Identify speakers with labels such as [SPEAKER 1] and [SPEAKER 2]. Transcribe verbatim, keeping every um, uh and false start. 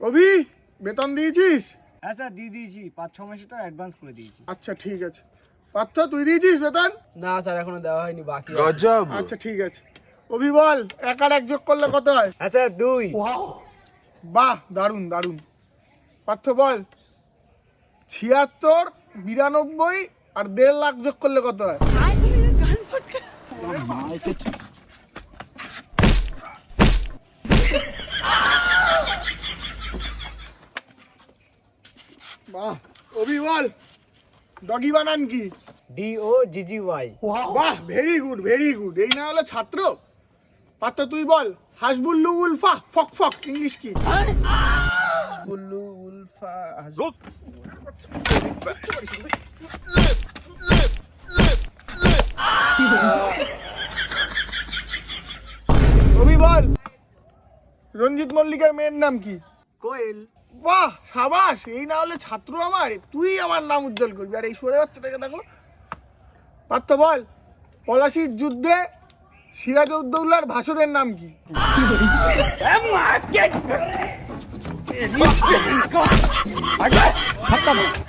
[SPEAKER 1] অভি বেতন দিয়েছিস?
[SPEAKER 2] হ্যাঁ স্যার দিয়ে দিয়েছি, পাঁচ ছ মাসের টাকা অ্যাডভান্স করে দিয়েছি।
[SPEAKER 1] আচ্ছা ঠিক আছে। পার্থ তুই দিয়েছিস বেতন?
[SPEAKER 2] না স্যার এখনো দেওয়া হয়নি, বাকি আছে।
[SPEAKER 3] গজব।
[SPEAKER 1] আচ্ছা ঠিক আছে। অভি বল এক আর এক যোগ করলে কত হয়?
[SPEAKER 2] হ্যাঁ স্যার দুই।
[SPEAKER 1] বাহ দারুণ দারুণ। পার্থ বল ছিয়াত্তর বিরানব্বই আর দেড় লাখ যোগ করলে কত হয়? বাহ। অভি বল ডগি বানান কি?
[SPEAKER 2] D O G G Y.
[SPEAKER 1] বাহ ভেরি গুড ভেরি গুড। এই না হলো ছাত্র। পাত্র তুই বল হাসবুল্লু উলফা ফক ফক ইংলিশ কি?
[SPEAKER 2] বুল্লু উলফা
[SPEAKER 1] অভি বল রঞ্জিত মল্লিকের মেয়ের নাম কি?
[SPEAKER 2] কোয়েল।
[SPEAKER 1] বাহ সাবাস। এই না হলে ছাত্র আমার, তুই আমার নাম উজ্জ্বল করবি। আর এই সরে বাচ্চাটাকে দেখো। পার্থ বল পলাশির যুদ্ধে সিরাজউদ্দৌলার ভাসুরের নাম কি?